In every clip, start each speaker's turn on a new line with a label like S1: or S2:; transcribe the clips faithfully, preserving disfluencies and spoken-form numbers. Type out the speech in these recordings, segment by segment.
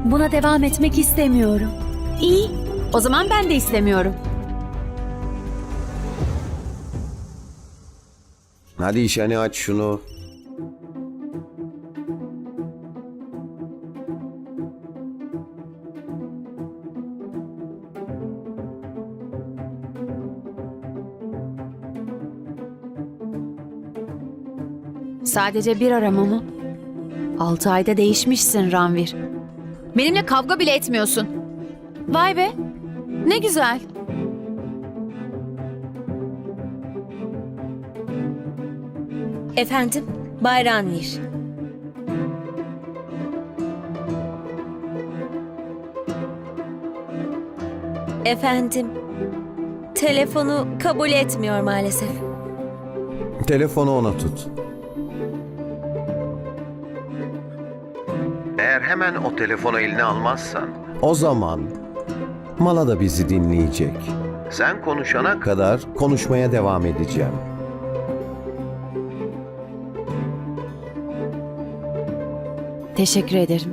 S1: Buna devam etmek istemiyorum. İyi, o zaman ben de istemiyorum.
S2: Hadi işeni aç şunu.
S1: Sadece bir arama mı? Altı ayda değişmişsin Ranvir. Benimle kavga bile etmiyorsun. Vay be, ne güzel.
S3: Efendim, Bay Ranvir. Efendim, telefonu kabul etmiyor maalesef.
S2: Telefonu ona tut. Eğer hemen o telefonu eline almazsan, o zaman Mala da bizi dinleyecek. Sen konuşana kadar konuşmaya devam edeceğim.
S1: Teşekkür ederim.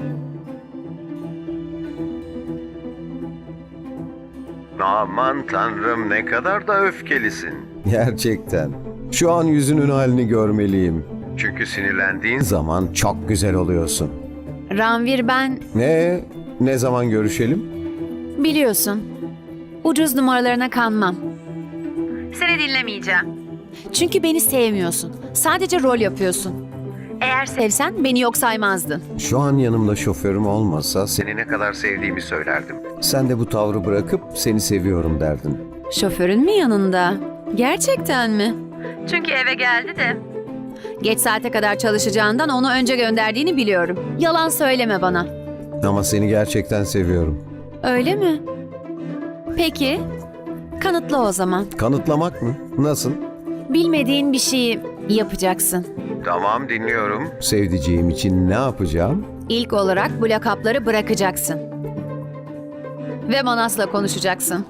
S2: Aman tanrım, ne kadar da öfkelisin. Gerçekten. Şu an yüzünün halini görmeliyim. Çünkü sinirlendiğin zaman çok güzel oluyorsun.
S1: Ranvir, ben
S2: Ne? Ne zaman görüşelim?
S1: biliyorsun ucuz numaralarına kanmam. Seni dinlemeyeceğim. Çünkü beni sevmiyorsun. Sadece rol yapıyorsun. Eğer sevsen beni yok saymazdın.
S2: Şu an yanımda şoförüm olmasa seni ne kadar sevdiğimi söylerdim. Sen de bu tavrı bırakıp seni seviyorum derdin.
S1: Şoförün mü yanında? Gerçekten mi? Çünkü eve geldi de. Geç saate kadar çalışacağından onu önce gönderdiğini biliyorum. Yalan söyleme bana.
S2: Ama seni gerçekten seviyorum.
S1: Öyle mi? Peki, kanıtla o zaman.
S2: Kanıtlamak mı? Nasıl?
S1: Bilmediğin bir şeyi yapacaksın.
S2: Tamam, dinliyorum. Sevdiceğim için ne yapacağım?
S1: İlk olarak bu lakapları bırakacaksın. Ve Manas'la konuşacaksın.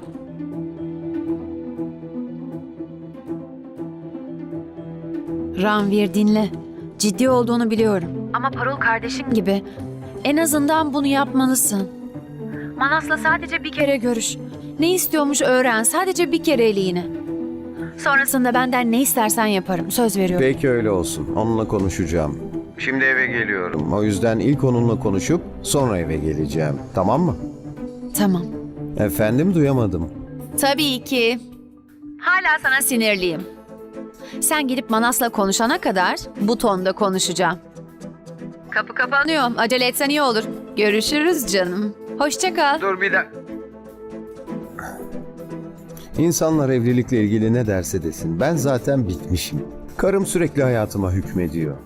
S1: Ranvir, dinle. Ciddi olduğunu biliyorum. Ama Parul kardeşin gibi. En azından bunu yapmalısın. Manas'la sadece bir kere görüş. Ne istiyormuş öğren. Sadece bir kereliğine. Sonrasında benden ne istersen yaparım. Söz veriyorum.
S2: Peki, öyle olsun. Onunla konuşacağım. Şimdi eve geliyorum. O yüzden ilk onunla konuşup sonra eve geleceğim. Tamam mı?
S1: Tamam.
S2: Efendim, duyamadım.
S1: Tabii ki. Hala sana sinirliyim. Sen gidip Manas'la konuşana kadar bu tonda konuşacağım. Kapı kapanıyor. Acele etsen iyi olur. Görüşürüz canım. Hoşça kal.
S2: Dur bir dakika. İnsanlar evlilikle ilgili ne derse desin. Ben zaten bitmişim. Karım sürekli hayatıma hükmediyor.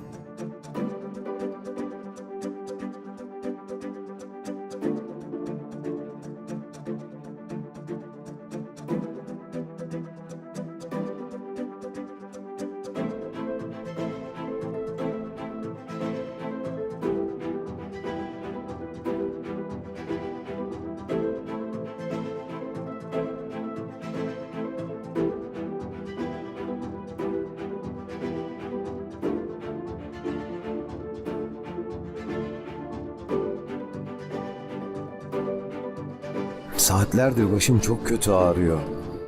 S2: Saatlerdir başım çok kötü ağrıyor.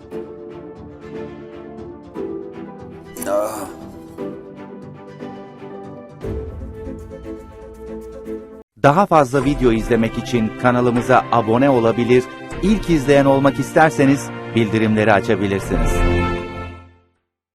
S2: Ah.
S4: Daha fazla video izlemek için kanalımıza abone olabilir, ilk izleyen olmak isterseniz bildirimleri açabilirsiniz.